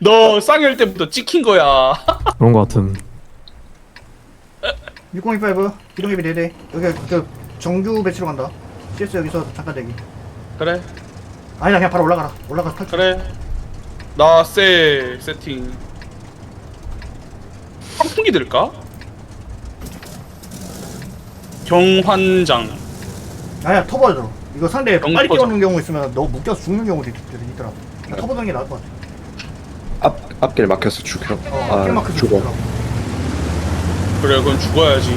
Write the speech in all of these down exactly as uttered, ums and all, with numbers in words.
너 쌍열 때부터 찍힌 거야. 그런 거 같음. 육공이오 기동예비 네대. 여기 그 정규 배치로 간다. 씨에스 여기서 잠깐 대기. 그래 아니다 그냥 바로 올라가라. 올라가서 탈출. 그래. 나세 세팅. 환풍기 들까? 경환장. 아야 터보 들어. 이거 상대 영 빨리 퍼센트. 뛰어오는 경우 있으면 너 묶여서 죽는 경우도 있- 있더라고. 터보 드는 게 나을 것 같아. 앞 앞길 막혀서 죽여. 어, 아 앞길마크 죽어. 죽더라고. 그래 그건 죽어야지.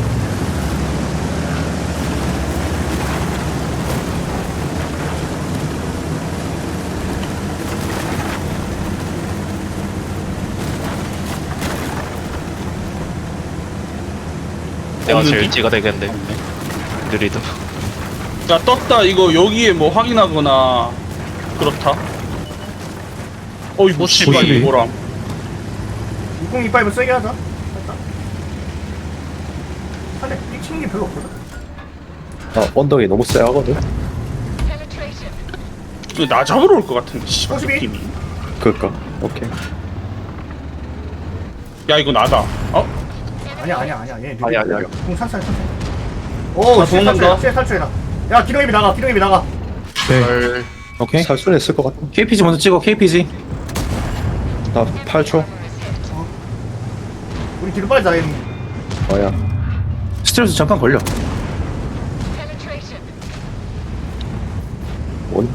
내가 없는 제일 게? 찌가 되겠는데 느리도. 야 떴다. 이거 여기에 뭐 확인하거나 그렇다. 어이 뭐 씨발 오십이. 이거람. 육공이오 세게 하자. 살짝. 상대 삑 치는 게 별로 없거든. 아 언덕이 너무 쎄하거든. 이거 나 잡으러 올 것 같은데 씨발 오십이. 느낌이. 그니까 오케이. 야 이거 나다. 어? 아니야 아니야 아니야. 얘 아니 아니 아니. 공 산살 산살. 오 아, 씨에 도망간다. 탈출해. 씨에 탈출해라. 야 기동예비 나가. 기동예비 나가. 네. 오케이. 살수는 있을 것 같아. 케이피지 먼저 찍어. 케이피지. 나 팔 초. 우리 뒤로 빨리 자. 얘. 뭐야? 스트레스 잠깐 걸려. 원.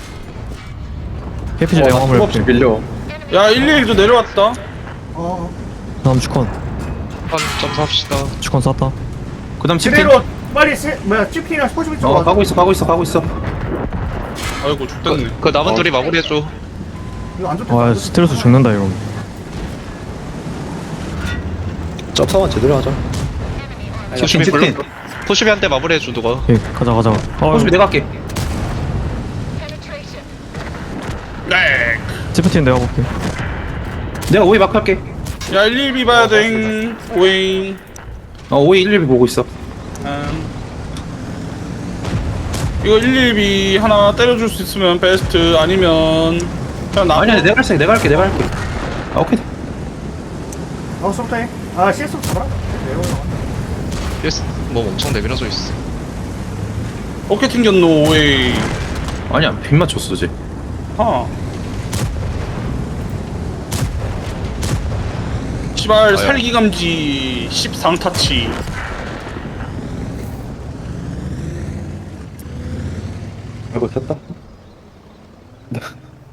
케이피지 어, 내가 화물 없이 해볼게. 밀려. 야 일일이도 내려왔다. 어. 다음 주컨. 한 점수합시다. 주컨 쐈다. 그다음 치킨. 그대로 빨리 세, 뭐야 찌피랑 스포츠비 쪽으로 어 가고 있어. 가고 있어. 가고 있어. 아이고 죽겠네. 그 남은 둘이 마무리해줘. 이거 안 좋다. 와 스트레스 죽는다 이거. 점사만 제대로 하자. 포슈비 치킨, 불러. 치킨. 포슈비 한 대 마무리해줘 누가. 오케이 가자 가자. 어 호수비 내가 할게. 네. 지프틴 내가 볼게. 내가 오이 마크 할게. 야 일일비 봐야 돼. 오잉. 어 오이 일일비 보고 있어. 음. 이거 일일비 하나 때려줄 수 있으면 베스트. 아니면 그냥 나. 아니 아니 내가 할게. 내가 할게. 내가 할게. 아 오케이. 어 서부터 해. 아 씨에스부터 잡아라. 내려오라. 예스. 뭐 엄청 내밀어져 있어. 어깨 튕겼노 오이. 아니야 빗 맞췄어 쟤. 하. 시발 살기 감지 십삼 타치. 아이고 됐다.